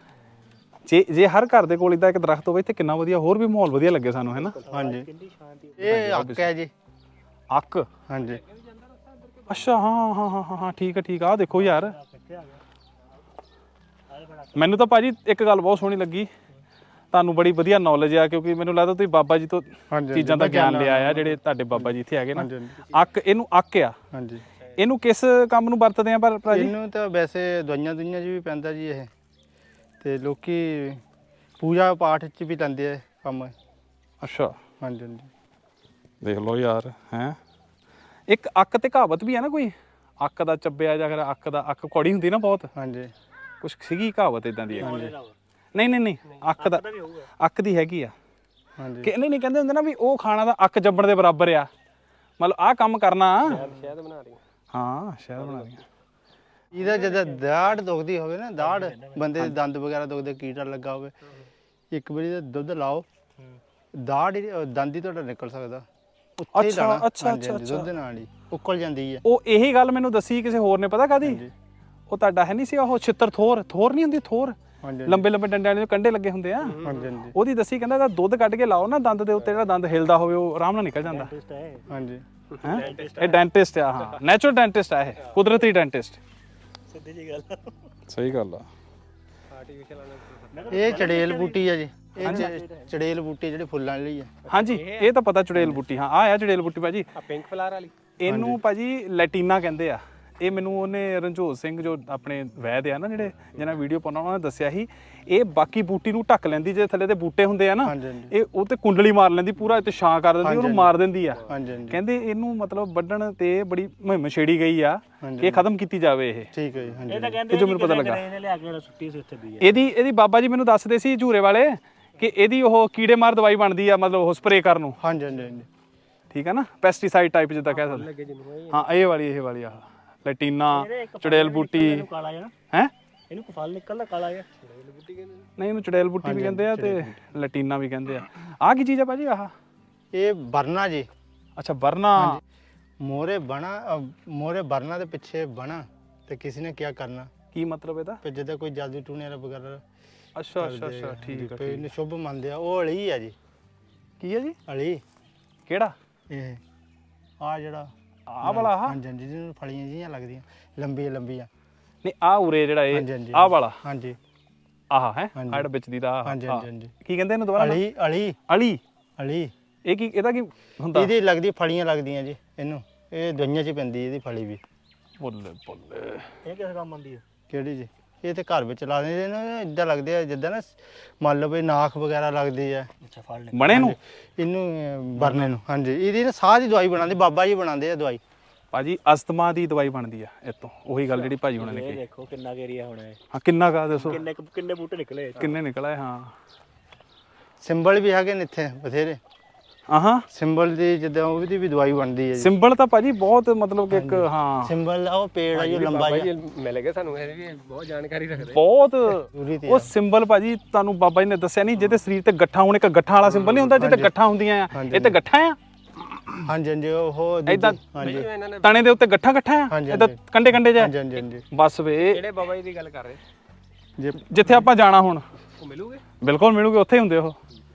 Speaker 1: ਜੇ ਹਰ ਘਰ ਦੇ ਕੋਲ ਇਦਾਂ ਇੱਕ ਦਰਖਤ ਹੋਵੇ ਤੇ ਕਿੰਨਾ ਵਧੀਆ ਹੋਰ ਵੀ ਮਾਹੌਲ ਵਧੀਆ ਲੱਗੇ ਸਾਨੂੰ ਹੈ ਨਾ
Speaker 3: ਹਾਂਜੀ ਇਹ ਅੱਕ ਹੈ ਜੀ
Speaker 1: ਅੱਕ
Speaker 3: ਹਾਂਜੀ
Speaker 1: ਅੱਛਾ ਹਾਂ ਠੀਕ ਆ ਦੇਖੋ ਯਾਰ
Speaker 2: ਕਿੱਥੇ ਆ ਗਿਆ
Speaker 1: ਮੈਨੂੰ ਤਾਂ ਭਾਜੀ ਇੱਕ ਗੱਲ ਬਹੁਤ ਸੋਹਣੀ ਲੱਗੀ ਤੁਹਾਨੂੰ ਬੜੀ ਵਧੀਆ ਨੌਲੇਜ ਆ ਕਿਉਂਕਿ ਮੈਨੂੰ ਲੱਗਦਾ ਤੁਸੀਂ ਬਾਬਾ ਜੀ ਤੋਂ
Speaker 3: ਹਾਂਜੀ,
Speaker 1: ਚੀਜ਼ਾਂ ਦਾ ਗਿਆਨ ਲਿਆ ਆ ਜਿਹੜੇ ਤੁਹਾਡੇ ਬਾਬਾ ਜੀ ਇੱਥੇ ਹੈਗੇ ਨਾ
Speaker 3: ਹਾਂਜੀ,
Speaker 1: ਇਹਨੂੰ ਅੱਕ ਆ
Speaker 3: ਹਾਂਜੀ
Speaker 1: ਇਹਨੂੰ ਕਿਸ ਕੰਮ ਨੂੰ ਵਰਤਦੇ ਆ ਭਰਾ ਜੀ
Speaker 3: ਇਹਨੂੰ ਤਾਂ ਵੈਸੇ ਦਵਾਈਆਂ ਦੁਈਆਂ 'ਚ ਵੀ ਪੈਂਦਾ ਜੀ ਇਹ ਤੇ ਲੋਕੀ ਪੂਜਾ ਪਾਠ 'ਚ ਵੀ ਲੈਂਦੇ ਆ ਕੰਮ
Speaker 1: ਅੱਛਾ
Speaker 3: ਹਾਂਜੀ ਹਾਂਜੀ
Speaker 1: ਦੇਖ ਲਓ ਯਾਰ ਹੈ ਇੱਕ ਅੱਕ ਤੇ ਕਹਾਵਤ ਵੀ ਆ ਨਾ ਕੋਈ ਅੱਕ ਦਾ ਚੱਬਿਆ ਜਾਂ ਫਿਰ ਅੱਕ ਕੌੜੀ ਹੁੰਦੀ ਨਾ ਬਹੁਤ
Speaker 3: ਹਾਂਜੀ
Speaker 1: ਕੁਛ ਸੀਗੀ ਕਹਾਵਤ ਇਦਾਂ ਦੀ ਨਹੀਂ ਅੱਕ ਦੀ ਹੈਗੀ ਆ
Speaker 3: ਹਾਂਜੀ
Speaker 1: ਕਿ ਨਹੀਂ ਕਹਿੰਦੇ ਹੁੰਦੇ ਨਾ ਵੀ ਉਹ ਖਾਣਾ ਦਾ ਅੱਕ ਜੰਬਣ ਦੇ ਬਰਾਬਰ ਆ ਮਤਲਬ ਆਹ ਕੰਮ ਕਰਨਾ
Speaker 5: ਸ਼ਾਇਦ ਬਣਾ ਰਹੀ
Speaker 1: ਹਾਂ ਸ਼ਾਇਦ ਬਣਾ ਰਹੀਆਂ
Speaker 3: ਇਹਦਾ ਜਦੋਂ ਦਾੜ ਦੁਖਦੀ ਹੋਵੇ ਨਾ ਦਾੜ ਬੰਦੇ ਦੇ ਦੰਦ ਵਗੈਰਾ ਦੁਖਦੇ ਕੀੜਾ ਲੱਗਾ ਹੋਵੇ ਇੱਕ ਵਾਰੀ ਦਾ ਦੁੱਧ ਲਾਓ ਦਾੜ ਦੰਦ ਹੀ ਤੁਹਾਡਾ ਨਿਕਲ ਸਕਦਾ ਉੱਥੇ ਹੀ ਲਾਣਾ
Speaker 1: ਅੱਛਾ
Speaker 3: ਦੁੱਧ ਨਾਲ ਹੀ ਉੱਕਲ ਜਾਂਦੀ ਹੈ
Speaker 1: ਉਹ ਇਹੀ ਗੱਲ ਮੈਨੂੰ ਦੱਸੀ ਕਿਸੇ ਹੋਰ ਨੇ ਪਤਾ ਕਾਦੀ ਉਹ ਤੁਹਾਡਾ ਹੈ ਨਹੀਂ ਸੀ ਉਹ ਛਿੱਤਰ ਥੋਰ ਨਹੀਂ ਹੁੰਦੀ ਥੋਰ
Speaker 3: ਹਾਂਜੀ
Speaker 1: ਲੰਬੇ ਡੰਡਿਆਂ ਦੇ ਕੰਡੇ ਲੱਗੇ ਹੁੰਦੇ ਆ
Speaker 3: ਹਾਂਜੀ ਹਾਂਜੀ
Speaker 1: ਉਹਦੀ ਦੱਸੀ ਕਹਿੰਦਾ ਇਹਦਾ ਦੁੱਧ ਕੱਢ ਕੇ ਲਾਓ ਨਾ ਦੰਦ ਦੇ ਉੱਤੇ ਜਿਹੜਾ ਦੰਦ ਹਿਲਦਾ ਹੋਵੇ ਉਹ ਆਰਾਮ ਨਾਲ ਨਿਕਲ ਜਾਂਦਾ
Speaker 2: ਟੈਸਟ ਹੈ
Speaker 3: ਹਾਂਜੀ
Speaker 1: ਹੈਂ? ਇਹ ਡੈਂਟਿਸਟ ਆ ਹਾਂ ਨੈਚੁਰਲ ਡੈਂਟਿਸਟ ਆ ਇਹ ਕੁਦਰਤੀ ਡੈਂਟਿਸਟ
Speaker 2: ਸਿੱਧੀ ਜੀ ਗੱਲ
Speaker 1: ਸਹੀ ਗੱਲ ਆ
Speaker 3: ਇਹ ਚੜੇਲ ਬੂਟੀ ਆ ਜੀ ਇਹ ਚੜੇਲ ਬੂਟੀ ਜਿਹੜੀ ਫੁੱਲਾਂ ਵਾਲੀ ਆ
Speaker 1: ਹਾਂਜੀ ਇਹ ਤਾਂ ਪਤਾ ਚੁੜੇਲ ਬੂਟੀ ਹਾਂ ਆ ਚੁੜੇਲ ਬੂਟੀ ਭਾਜੀ
Speaker 5: ਆ ਪਿੰਕ ਫਲਾਰ ਵਾਲੀ
Speaker 1: ਇਹਨੂੰ ਭਾਜੀ ਲੈਟੀਨਾ ਕਹਿੰਦੇ ਆ ਇਹ ਮੈਨੂੰ ਉਹਨੇ ਰਣਜੋਤ ਸਿੰਘ ਜੋ ਆਪਣੇ ਵੈਦ ਆ ਨਾ ਜਿਹੜੇ ਜਿਹਨਾਂ ਵੀਡੀਓ ਪਾਉਣਾ ਉਹਨਾਂ ਨੇ ਦੱਸਿਆ ਸੀ ਇਹ ਬਾਕੀ ਬੂਟੀ ਨੂੰ ਢੱਕ ਲੈਂਦੀ ਜੇ ਥੱਲੇ ਤੇ ਬੂਟੇ ਹੁੰਦੇ ਆ ਨਾ ਇਹ ਉਹ ਤੇ ਕੁੰਡਲੀ ਮਾਰ ਲੈਂਦੀ ਪੂਰਾ ਇੱਥੇ ਛਾਂ ਕਰ ਦਿੰਦੀ ਉਹਨੂੰ ਮਾਰ ਦਿੰਦੀ ਆ
Speaker 3: ਹਾਂਜੀ ਹਾਂਜੀ
Speaker 1: ਕਹਿੰਦੇ ਇਹਨੂੰ ਮਤਲਬ ਵੱਢਣ ਤੇ ਬੜੀ ਮੁਹਿੰਮ ਛੇੜੀ ਗਈ ਆ ਕਿ ਇਹ ਖਤਮ ਕੀਤੀ ਜਾਵੇ ਇਹ
Speaker 3: ਠੀਕ ਹੈ ਜੀ ਹਾਂਜੀ
Speaker 2: ਇਹ ਤਾਂ ਕਹਿੰਦੇ
Speaker 1: ਜੋ ਮੈਨੂੰ ਪਤਾ ਲੱਗਾ
Speaker 2: ਇਹਨੇ ਲਿਆ ਕੇ ਸੁੱਟੀ ਸੀ ਉੱਥੇ ਵੀ
Speaker 1: ਇਹਦੀ ਬਾਬਾ ਜੀ ਮੈਨੂੰ ਦੱਸਦੇ ਸੀ ਝੂਰੇ ਵਾਲੇ ਕਿ ਇਹਦੀ ਉਹ ਕੀੜੇ ਮਾਰ ਦਵਾਈ ਬਣਦੀ ਆ ਮਤਲਬ ਉਹ ਸਪਰੇਅ ਕਰਨ ਨੂੰ
Speaker 3: ਹਾਂਜੀ ਹਾਂਜੀ ਹਾਂਜੀ
Speaker 1: ਠੀਕ ਆ ਨਾ ਪੈਸਟੀਸਾਈਡ ਟਾਈਪ ਜਿੱਦਾਂ ਕਹਿ ਸਕਦੇ ਹਾਂ ਇਹ ਵਾਲੀ ਆ ਲੈਟੀਨਾ ਚੁੜੇਲ ਬੂਟੀ
Speaker 2: ਇਹਨੂੰ ਕਾਲਾ ਜਿਹਾ
Speaker 1: ਹੈ
Speaker 2: ਇਹਨੂੰ ਕੋ ਫਲ ਨਿਕਲਦਾ ਕਾਲਾ ਜਿਹਾ
Speaker 1: ਨਹੀਂ ਇਹਨੂੰ ਚੁੜੇਲ ਬੂਟੀ ਵੀ ਕਹਿੰਦੇ ਆ ਤੇ ਲੈਟੀਨਾ ਵੀ ਕਹਿੰਦੇ ਆ ਆਹ ਕੀ ਚੀਜ਼ ਆ ਭਾਜੀ ਆਹ
Speaker 3: ਇਹ ਬਰਨਾ ਜੀ
Speaker 1: ਅੱਛਾ ਵਰਨਾ
Speaker 3: ਮੋਰੇ ਬਰਨਾ ਦੇ ਪਿੱਛੇ ਬਣਾ ਤੇ ਕਿਸੇ ਨੇ ਕੀ ਕਰਨਾ
Speaker 1: ਕੀ ਮਤਲਬ ਇਹਦਾ
Speaker 3: ਤੇ ਜਦੋਂ ਕੋਈ ਜਾਦੂ ਟੂਣੇ ਵਾਲਾ ਵਗੈਰਾ
Speaker 1: ਅੱਛਾ ਠੀਕ
Speaker 3: ਤੇ ਇਹਨੂੰ ਸ਼ੁਭ ਮੰਨਦੇ ਆ ਉਹ ਅਲੀ ਆ ਜੀ
Speaker 1: ਕੀ ਹੈ ਜੀ
Speaker 3: ਅਲੀ
Speaker 1: ਕਿਹੜਾ
Speaker 3: ਇਹ ਆ ਜਿਹੜਾ
Speaker 1: ਆਹ ਵਾਲਾ ਆਹ
Speaker 3: ਹਾਂਜੀ ਹਾਂਜੀ ਜਿਹਨੂੰ ਫਲੀਆਂ ਜਿਹੀਆਂ ਲੱਗਦੀਆਂ ਲੰਬੀਆਂ
Speaker 1: ਨਹੀਂ ਆਹ ਉਰੇ ਜਿਹੜਾ ਇਹ
Speaker 3: ਹਾਂਜੀ, ਹਾਂਜੀ।
Speaker 1: ਆਹ ਵਾਲਾ
Speaker 3: ਹਾਂਜੀ
Speaker 1: ਆਹ ਹੈ
Speaker 3: ਹਾਂਜੀ।
Speaker 1: ਜਿਹੜਾ ਵਿੱਚ ਦੀ ਦਾ ਆਹ,
Speaker 3: ਹਾਂਜੀ
Speaker 1: ਆਹ।
Speaker 3: ਹਾਂਜੀ ਹਾਂਜੀ
Speaker 1: ਕੀ ਕਹਿੰਦੇ ਇਹਨੂੰ ਦੁਬਾਰਾ
Speaker 3: ਅਲੀ ਅਲੀ
Speaker 1: ਅਲੀ
Speaker 3: ਅਲੀ
Speaker 1: ਇਹ ਕੀ ਇਹਦਾ ਕੀ ਹੁੰਦਾ
Speaker 3: ਇਹਦੀ ਲੱਗਦੀ ਫਲੀਆਂ ਲੱਗਦੀਆਂ ਜੀ ਇਹਨੂੰ ਇਹ ਦਵਾਈਆਂ 'ਚ ਪੈਂਦੀ ਇਹਦੀ ਫਲੀ ਵੀ
Speaker 1: ਬੱਲੇ
Speaker 2: ਇਹ ਕਿਸ ਕੰਮ ਆਉਂਦੀ ਹੈ
Speaker 3: ਕਿਹੜੀ ਜੀ ਇਹ ਤੇ ਘਰ ਵਿੱਚ ਲਾ ਦਿੰਦੇ ਨੇ, ਇਦਾਂ ਲੱਗਦੇ ਆ ਜਿੱਦਾਂ ਨਾ ਮੰਨ ਲਓ ਵੀ ਨਾਖ ਵਗੈਰਾ ਲੱਗਦੀ ਆ
Speaker 2: ਅੱਛਾ ਫੜ ਲੈ
Speaker 1: ਬਣੇ ਨੂੰ
Speaker 3: ਇਹਨੂੰ ਬਰਨੇ ਨੂੰ। ਹਾਂਜੀ ਇਹਦੀ ਨਾ ਸਾਹ ਦੀ ਦਵਾਈ ਬਣਾਉਂਦੇ, ਬਾਬਾ ਜੀ ਬਣਾਉਂਦੇ ਆ ਦਵਾਈ।
Speaker 1: ਭਾਜੀ ਅਸਥਮਾ ਦੀ ਦਵਾਈ ਬਣਦੀ ਆ ਇਤੋਂ, ਉਹੀ ਗੱਲ ਜਿਹੜੀ ਭਾਜੀ ਹੁਣਾਂ ਨੇ
Speaker 2: ਇਹ
Speaker 1: ਕਹੀ।
Speaker 2: ਦੇਖੋ ਕਿੰਨਾ ਏਰੀਆ ਹੋਣਾ ਹੈ,
Speaker 1: ਹਾਂ ਕਿੰਨਾ ਕਾ ਦੱਸੋ,
Speaker 2: ਕਿੰਨੇ ਬੂਟੇ ਨਿਕਲੇ
Speaker 1: ਕਿੰਨੇ ਨਿਕਲਾ ਹਾਂ।
Speaker 3: ਸਿੰਬਲ ਵੀ ਹੈਗੇ ਨੇ ਇੱਥੇ ਬਥੇਰੇ।
Speaker 1: ਆਹਾਂ
Speaker 3: ਸਿੰਬਲ ਦੀ ਜਿੱਦਾਂ ਉਹਦੀ ਵੀ ਦਵਾਈ ਬਣਦੀ ਹੈ ਜੀ।
Speaker 1: ਸਿੰਬਲ ਤਾਂ ਭਾਜੀ ਬਹੁਤ ਮਤਲਬ ਕਿ ਇੱਕ ਹਾਂ
Speaker 3: ਸਿੰਬਲ ਉਹ ਪੇੜ ਆ ਜੋ ਲੰਬਾ ਜਿਹਾ,
Speaker 5: ਮਿਲ ਗਿਆ ਸਾਨੂੰ, ਇਹ ਵੀ ਬਹੁਤ ਜਾਣਕਾਰੀ ਰੱਖਦੇ।
Speaker 1: ਬਹੁਤ
Speaker 3: ਜ਼ਰੂਰੀ ਤੇ
Speaker 1: ਉਹ ਸਿੰਬਲ ਭਾਜੀ ਤੁਹਾਨੂੰ ਬਾਬਾ ਜੀ ਨੇ ਦੱਸਿਆ ਨਹੀਂ, ਜਿਹਦੇ ਸਰੀਰ ਤੇ ਗੱਠਾਂ ਹੋਣ, ਇੱਕ ਗੱਠਾਂ ਵਾਲਾ ਸਿੰਬਲ ਨਹੀਂ ਹੁੰਦਾ ਜਿਹਦੇ ਗੱਠਾਂ ਹੁੰਦੀਆਂ ਆ, ਇਹ ਤੇ ਗੱਠਾਂ ਆ
Speaker 3: ਹਾਂਜੀ ਹਾਂਜੀ ਉਹ
Speaker 1: ਏਦਾਂ
Speaker 3: ਹਾਂਜੀ
Speaker 5: ਇਹਨਾਂ ਨੇ
Speaker 1: ਤਣੇ ਦੇ ਉੱਤੇ ਗੱਠਾਂ ਆ,
Speaker 3: ਹਾਂਜੀ,
Speaker 1: ਏਦਾਂ ਕੰਡੇ ਕੰਡੇ ਜਾ
Speaker 3: ਹਾਂਜੀ ਹਾਂਜੀ ਹਾਂਜੀ
Speaker 1: ਬਸ ਵੇ
Speaker 5: ਜਿਹੜੇ ਬਾਬਾ ਜੀ ਦੀ ਗੱਲ ਕਰ ਰਹੇ
Speaker 3: ਜੇ
Speaker 1: ਜਿੱਥੇ ਆਪਾਂ ਜਾਣਾ ਹੁਣ
Speaker 5: ਉਹ ਮਿਲੂਗੇ?
Speaker 1: ਬਿਲਕੁਲ ਮਿਲੂਗੇ, ਉੱਥੇ ਹੀ ਹੁੰਦੇ ਉਹ।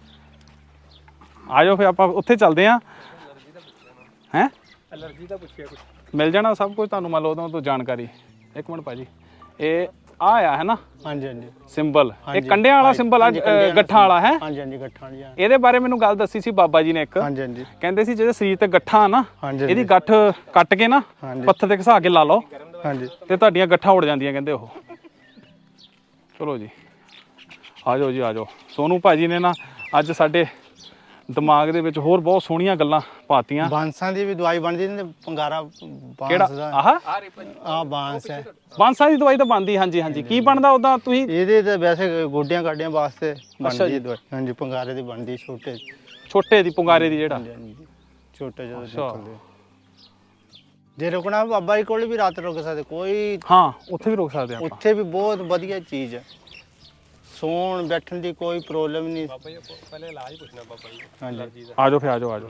Speaker 1: ਆ ਜਾਓ ਫਿਰ ਆਪਾਂ ਉੱਥੇ ਚੱਲਦੇ ਆਂ। ਹੈਂ
Speaker 5: ਐਲਰਜੀ ਦਾ ਪੁੱਛਿਆ ਕੁਝ?
Speaker 1: ਮਿਲ ਜਾਣਾ ਸਭ ਕੁਝ ਤੁਹਾਨੂੰ, ਮੰਨ ਲਓ ਉਹਦੋਂ ਤੋਂ ਜਾਣਕਾਰੀ। ਇੱਕ ਮਿੰਟ ਭਾਜੀ, ਇਹ ਆ ਨਾ
Speaker 3: ਹਾਂਜੀ ਹਾਂਜੀ
Speaker 1: ਸਿੰਬਲ, ਇਹ ਕੰਡਿਆਂ ਵਾਲਾ ਸਿੰਬਲ ਆ, ਗੱਠਾਂ ਵਾਲਾ ਹੈ।
Speaker 3: ਹਾਂਜੀ ਹਾਂਜੀ ਗੱਠਾਂ ਵਾਲੀ
Speaker 1: ਇਹਦੇ ਬਾਰੇ ਮੈਨੂੰ ਗੱਲ ਦੱਸੀ ਸੀ ਬਾਬਾ ਜੀ ਨੇ ਇੱਕ,
Speaker 3: ਹਾਂਜੀ ਹਾਂਜੀ
Speaker 1: ਕਹਿੰਦੇ ਸੀ ਜਿਹਦੇ ਸਰੀਰ ਤੇ ਗੱਠਾਂ ਆ ਨਾ,
Speaker 3: ਹਾਂਜੀ
Speaker 1: ਇਹਦੀ ਗੱਠ ਕੱਟ ਕੇ ਨਾ
Speaker 3: ਹਾਂਜੀ
Speaker 1: ਪੱਥਰ ਤੇ ਘਸਾ ਕੇ ਲਾ ਲਓ
Speaker 3: ਹਾਂਜੀ
Speaker 1: ਤੇ ਤੁਹਾਡੀਆਂ ਗੱਠਾਂ ਉੜ ਜਾਂਦੀਆਂ ਕਹਿੰਦੇ ਉਹ। ਚਲੋ ਜੀ ਆ ਜਾਓ ਜੀ ਆ ਜਾਓ। ਸੋਨੂ ਭਾਜੀ ਨੇ ਨਾ ਅੱਜ ਸਾਡੇ ਦਿਮਾਗ ਦੇ ਵਿੱਚ ਹੋਰ ਬਹੁਤ ਸੋਹਣੀਆਂ ਗੱਲਾਂ ਪਾਤੀਆਂ।
Speaker 3: ਬਾਂਸਾਂ ਦੀ ਵੀ ਦਵਾਈ ਬਣਦੀ ਨੇ, ਪੰਗਾਰਾ
Speaker 1: ਕਿਹੜਾ
Speaker 3: ਬਾਂਸ ਦਾ
Speaker 1: ਆਹ
Speaker 3: ਆ ਬਾਂਸ ਹੈ,
Speaker 1: ਬਾਂਸਾਂ ਦੀ ਦਵਾਈ ਤਾਂ ਬਣਦੀ। ਹਾਂਜੀ ਹਾਂਜੀ ਕੀ ਬਣਦਾ ਉਦਾਂ ਤੁਸੀਂ?
Speaker 3: ਇਹਦੇ ਤੇ ਵੈਸੇ ਗੋਡਿਆਂ ਕਾਡਿਆਂ ਵਾਸਤੇ ਬਣਦੀ ਹੈ ਦਵਾਈ। ਹਾਂਜੀ ਪੰਗਾਰੇ ਦੀ ਬਣਦੀ, ਛੋਟੇ
Speaker 1: ਛੋਟੇ ਦੀ ਪੁੰਗਾਰੇ ਦੀ ਜਿਹੜਾ
Speaker 3: ਹਾਂਜੀ, ਛੋਟੇ ਜਦੋਂ ਨਿਕਲਦੇ ਆ। ਜੇ ਰੁਕਣਾ ਬਾਬਾ ਜੀ ਕੋਲ ਵੀ ਰਾਤ ਰੁਕ ਸਕਦੇ, ਕੋਈ
Speaker 1: ਹਾਂ ਉੱਥੇ ਵੀ ਰੁਕ ਸਕਦੇ ਆਪਾਂ।
Speaker 3: ਉੱਥੇ ਵੀ ਬਹੁਤ ਵਧੀਆ ਚੀਜ਼ ਹੈ, ਸੌਣ ਬੈਠਣ ਦੀ ਕੋਈ ਪ੍ਰੋਬਲਮ ਨਹੀਂ।
Speaker 5: ਬਾਬਾ ਜੀ ਆਪਾਂ ਪਹਿਲੇ ਇਲਾਜ ਪੁੱਛਣਾ ਬਾਬਾ ਜੀ ਦਾ।
Speaker 3: ਹਾਂਜੀ
Speaker 1: ਆ ਜਾਓ ਫਿਰ ਆ ਜਾਓ ਆ ਜਾਓ।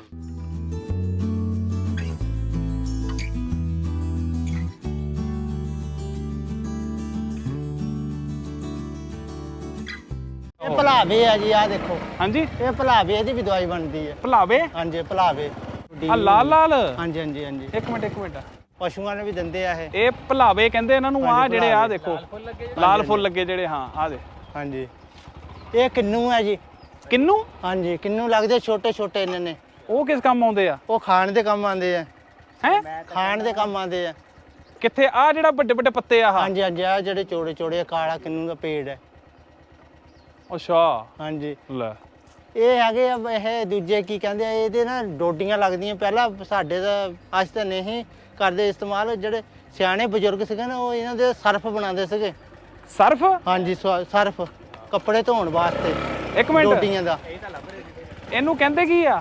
Speaker 3: ਇਹ ਭਲਾਵੇ ਆ ਜੀ, ਆ ਦੇਖੋ
Speaker 1: ਹਾਂਜੀ
Speaker 3: ਇਹ ਭਲਾਵੇ ਦੀ ਵੀ ਦਵਾਈ ਬਣਦੀ ਹੈ।
Speaker 1: ਭਲਾਵੇ
Speaker 3: ਹਾਂਜੀ ਭਲਾਵੇ
Speaker 1: ਆ ਲਾਲ ਲਾਲ।
Speaker 3: ਹਾਂਜੀ ਹਾਂਜੀ ਹਾਂਜੀ
Speaker 1: ਇੱਕ ਮਿੰਟ
Speaker 3: ਪਸ਼ੂਆਂ ਨੇ ਵੀ ਦਿੰਦੇ ਆ ਇਹ।
Speaker 1: ਇਹ ਭਲਾਵੇ ਕਹਿੰਦੇ ਇਹਨਾਂ ਨੂੰ। ਆ ਜਿਹੜੇ ਆ ਦੇਖੋ ਲਾਲ ਫੁੱਲ ਲੱਗੇ ਜਿਹੜੇ, ਹਾਂ ਆ ਦੇ।
Speaker 3: ਹਾਂਜੀ ਇਹ ਕਿੰਨੂ ਹੈ ਜੀ।
Speaker 1: ਕਿੰਨੂ?
Speaker 3: ਹਾਂਜੀ ਕਿੰਨੂ ਲੱਗਦੇ ਛੋਟੇ ਛੋਟੇ ਇਹਨਾਂ ਨੇ,
Speaker 1: ਉਹ ਕਿਸ ਕੰਮ ਆਉਂਦੇ ਆ?
Speaker 3: ਉਹ ਖਾਣ ਦੇ ਕੰਮ ਆਉਂਦੇ ਆ,
Speaker 1: ਹੈ
Speaker 3: ਖਾਣ ਦੇ ਕੰਮ ਆਉਂਦੇ ਆ।
Speaker 1: ਕਿੱਥੇ? ਆ ਜਿਹੜਾ ਵੱਡੇ ਵੱਡੇ ਪੱਤੇ ਆ?
Speaker 3: ਹਾਂਜੀ ਹਾਂਜੀ ਆ ਜਿਹੜੇ ਚੋੜੇ ਚੋੜੇ ਕਾਲਾ ਕਿੰਨੂ ਦਾ ਪੇੜ ਹੈ।
Speaker 1: ਅੱਛਾ
Speaker 3: ਹਾਂਜੀ
Speaker 1: ਲੈ
Speaker 3: ਇਹ ਹੈਗੇ ਆ, ਇਹ ਦੂਜੇ ਕੀ ਕਹਿੰਦੇ ਆ, ਇਹਦੇ ਨਾ ਡੋਡੀਆਂ ਲੱਗਦੀਆਂ। ਪਹਿਲਾਂ ਸਾਡੇ ਤਾਂ ਅੱਜ ਤਾਂ ਨਹੀਂ ਕਰਦੇ ਇਸਤੇਮਾਲ, ਜਿਹੜੇ ਸਿਆਣੇ ਬਜ਼ੁਰਗ ਸੀਗੇ ਨਾ ਉਹ ਇਹਨਾਂ ਦੇ ਸਰਫ ਬਣਾਉਂਦੇ ਸੀਗੇ।
Speaker 1: ਸਰਫ?
Speaker 3: ਹਾਂਜੀ ਸਰਫ ਕੱਪੜੇ ਧੋਣ ਵਾਸਤੇ,
Speaker 1: ਇੱਕ ਮਿੰਟ,
Speaker 3: ਡੋਡੀਆਂ ਦਾ।
Speaker 1: ਇਹਨੂੰ ਕਹਿੰਦੇ ਕੀ ਆ?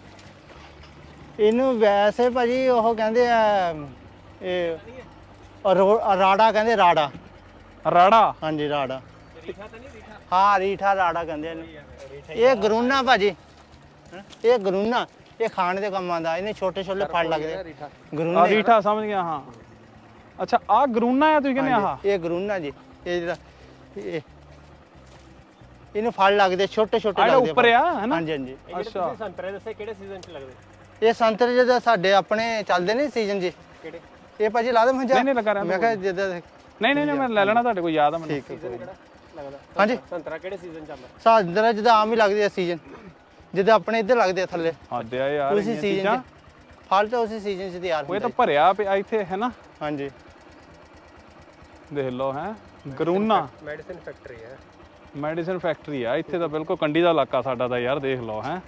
Speaker 3: ਇਹਨੂੰ ਵੈਸੇ ਭਾਜੀ ਉਹ ਕਹਿੰਦੇ ਆ, ਇਹ ਰਾੜਾ ਕਹਿੰਦੇ, ਰਾੜਾ।
Speaker 1: ਰਾੜਾ?
Speaker 3: ਹਾਂਜੀ ਰਾੜਾ। ਹਾਂ ਰੀਠਾ ਰਾੜਾ ਕਹਿੰਦੇ ਇਹਨੂੰ। ਇਹ ਗਰੂਨਾ ਭਾਜੀ, ਇਹ ਗਰੂਨਾ, ਇਹ ਖਾਣ ਦੇ ਕੰਮ ਆਉਂਦਾ। ਇਹਨੇ ਛੋਟੇ ਛੋਟੇ ਫਲ ਲੱਗਦੇ
Speaker 1: ਆ
Speaker 3: ਗਰੂਨੇ।
Speaker 1: ਰੀਠਾ ਸਮਝ ਗਿਆ ਹਾਂ। ਅੱਛਾ ਆ ਗਰੂਨਾ ਆ ਤੁਸੀਂ ਕਹਿੰਦੇ? ਆਹ
Speaker 3: ਇਹ ਗਰੂਨਾ ਜੀ, ਇਹ ਜਿਹੜਾ ਇਹਨੂੰ ਫਲ ਲੱਗਦੇ ਛੋਟੇ ਛੋਟੇ
Speaker 1: ਜਿਹੜਾ
Speaker 3: ਲੱਗਦੇ।
Speaker 1: ਉੱਪਰ ਆ ਹੈਨਾ?
Speaker 3: ਹਾਂਜੀ ਹਾਂਜੀ।
Speaker 1: ਅੱਛਾ
Speaker 5: ਸੰਤਰੇ ਦੱਸੇ ਕਿਹੜੇ ਸੀਜ਼ਨ 'ਚ ਲੱਗਦੇ?
Speaker 3: ਇਹ ਸੰਤਰੇ ਜਿਹਦੇ ਸਾਡੇ ਆਪਣੇ ਚੱਲਦੇ ਨੇ ਸੀਜ਼ਨ ਜੀ।
Speaker 5: ਕਿਹੜੇ?
Speaker 3: ਇਹ ਭਾਜੀ ਲਾ ਦੇ ਮੰਜਾ।
Speaker 1: ਨਹੀਂ ਲੱਗਾ ਰਿਹਾ
Speaker 3: ਮੈਂ ਕਿਹਾ ਜਿੱਦਾਂ
Speaker 1: ਨਹੀਂ ਮੈਂ ਲੈ ਲੈਣਾ, ਤੁਹਾਡੇ ਕੋਲ ਯਾਦ ਆ ਮੈਨੂੰ।
Speaker 3: ਠੀਕ ਹੈ ਕੋਈ ਨਹੀਂ।
Speaker 5: ਲੱਗਦਾ
Speaker 3: ਹਾਂਜੀ
Speaker 5: ਸੰਤਰਾ ਕਿਹੜੇ ਸੀਜ਼ਨ 'ਚ ਆਉਂਦਾ?
Speaker 3: ਸੰਤਰਾ ਜਿੱਦਾਂ ਆਮ ਹੀ ਲੱਗਦੇ ਆ ਸੀਜ਼ਨ, ਜਿੱਦਾਂ ਆਪਣੇ ਇੱਧਰ ਲੱਗਦੇ ਆ ਥੱਲੇ।
Speaker 1: ਹੱਦ ਆ ਯਾਰ
Speaker 3: ਉਸੇ
Speaker 1: ਇੰਨੀਆਂ
Speaker 3: ਸੀਜ਼ਨ
Speaker 1: ਚੀਜ਼ਾਂ।
Speaker 3: 'ਚ ਫਲ ਤਾਂ ਉਸੇ ਸੀਜ਼ਨ 'ਚ ਤਿਆਰ
Speaker 1: ਉਹ ਇਹ
Speaker 3: ਹੁੰਦਾ
Speaker 1: ਤਾਂ ਭਰਿਆ ਪਿਆ ਇੱਥੇ ਹੈ ਨਾ।
Speaker 3: ਹਾਂਜੀ
Speaker 1: ਦੇਖ ਲਓ ਹੈ ਗਰੂਨਾ
Speaker 5: ਮੈਡੀਸਿਨ ਫੈਕਟਰੀ ਹੈ।
Speaker 1: ਮੈਡੀਸਿਨ ਫੈਕਟਰੀ ਆ ਇੱਥੇ ਤਾਂ, ਬਿਲਕੁਲ ਕੰਢੀ ਦਾ ਇਲਾਕਾ ਸਾਡਾ ਤਾਂ ਯਾਰ। ਦੇਖ ਲਓ ਹੈ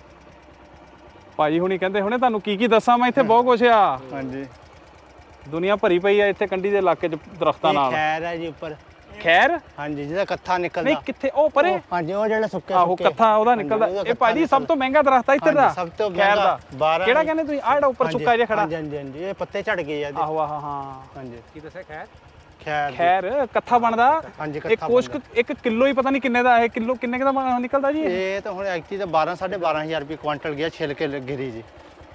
Speaker 1: ਭਾਜੀ ਹੁਣੀ ਕਹਿੰਦੇ ਹੁਣੇ ਤੁਹਾਨੂੰ ਕੀ ਦੱਸਾਂ ਮੈਂ, ਇੱਥੇ ਬਹੁਤ ਕੁਛ ਆ।
Speaker 3: ਹਾਂਜੀ
Speaker 1: ਦੁਨੀਆ ਭਰੀ ਪਈ ਆ ਇੱਥੇ ਕੰਢੀ ਦੇ ਇਲਾਕੇ 'ਚ ਦਰਖਤਾਂ
Speaker 3: ਇਹ
Speaker 1: ਨਾਲ।
Speaker 3: ਖੈਰ ਹੈ ਜੀ ਉੱਪਰ।
Speaker 1: ਖੈਰ?
Speaker 3: ਹਾਂਜੀ ਜਿਹਦਾ ਕੱਥਾ ਨਿਕਲਦਾ।
Speaker 1: ਨਹੀਂ ਕਿੱਥੇ ਉਹ ਪਰੇ?
Speaker 3: ਹਾਂਜੀ ਉਹ ਜਿਹੜਾ ਸੁੱਕੇ
Speaker 1: ਆਹੋ ਕੱਥਾ ਉਹਦਾ ਨਿਕਲਦਾ। ਇਹ ਭਾਜੀ ਸਭ ਤੋਂ ਮਹਿੰਗਾ ਦਰਖਤ ਆ ਇੱਧਰ ਦਾ।
Speaker 3: ਸਭ ਤੋਂ
Speaker 1: ਖੈਰ ਦਾ।
Speaker 3: ਮਹਿੰਗਾ 12।
Speaker 1: ਕਿਹੜਾ ਕਹਿੰਦੇ ਤੁਸੀਂ? ਆਹ ਜਿਹੜਾ ਉੱਪਰ ਸੁੱਕਾ ਜਿਹਾ ਖੜਾ।
Speaker 3: ਹਾਂਜੀ ਹਾਂਜੀ ਹਾਂਜੀ ਇਹ ਪੱਤੇ ਝੜ ਗਏ ਆ ਇਹਦੇ।
Speaker 1: ਆਹੋ ਆਹ ਹਾਂ
Speaker 3: ਹਾਂਜੀ
Speaker 5: ਕੀ ਦੱਸਿਆ? ਖੈਰ?
Speaker 3: ਖੈਰ
Speaker 1: ਖੈਰ ਕੱਥਾ ਬਣਦਾ।
Speaker 3: ਹਾਂਜੀ
Speaker 1: ਇਹ ਕੋਸ਼ਕ 1 ਕਿਲੋ ਹੀ ਪਤਾ ਨਹੀਂ ਕਿੰਨੇ ਦਾ ਇਹ ਕਿਲੋ ਕਿੰਨੇ ਦਾ ਨਿਕਲਦਾ ਜੀ?
Speaker 3: ਇਹ ਤਾਂ ਹੁਣ ਐਕਚੁਅਲੀ ਤਾਂ 12-12500 ਰੁਪਏ ਕੁਆਂਟਲ ਗਿਆ ਛਿਲਕੇ ਗਿਰੀ ਜੀ।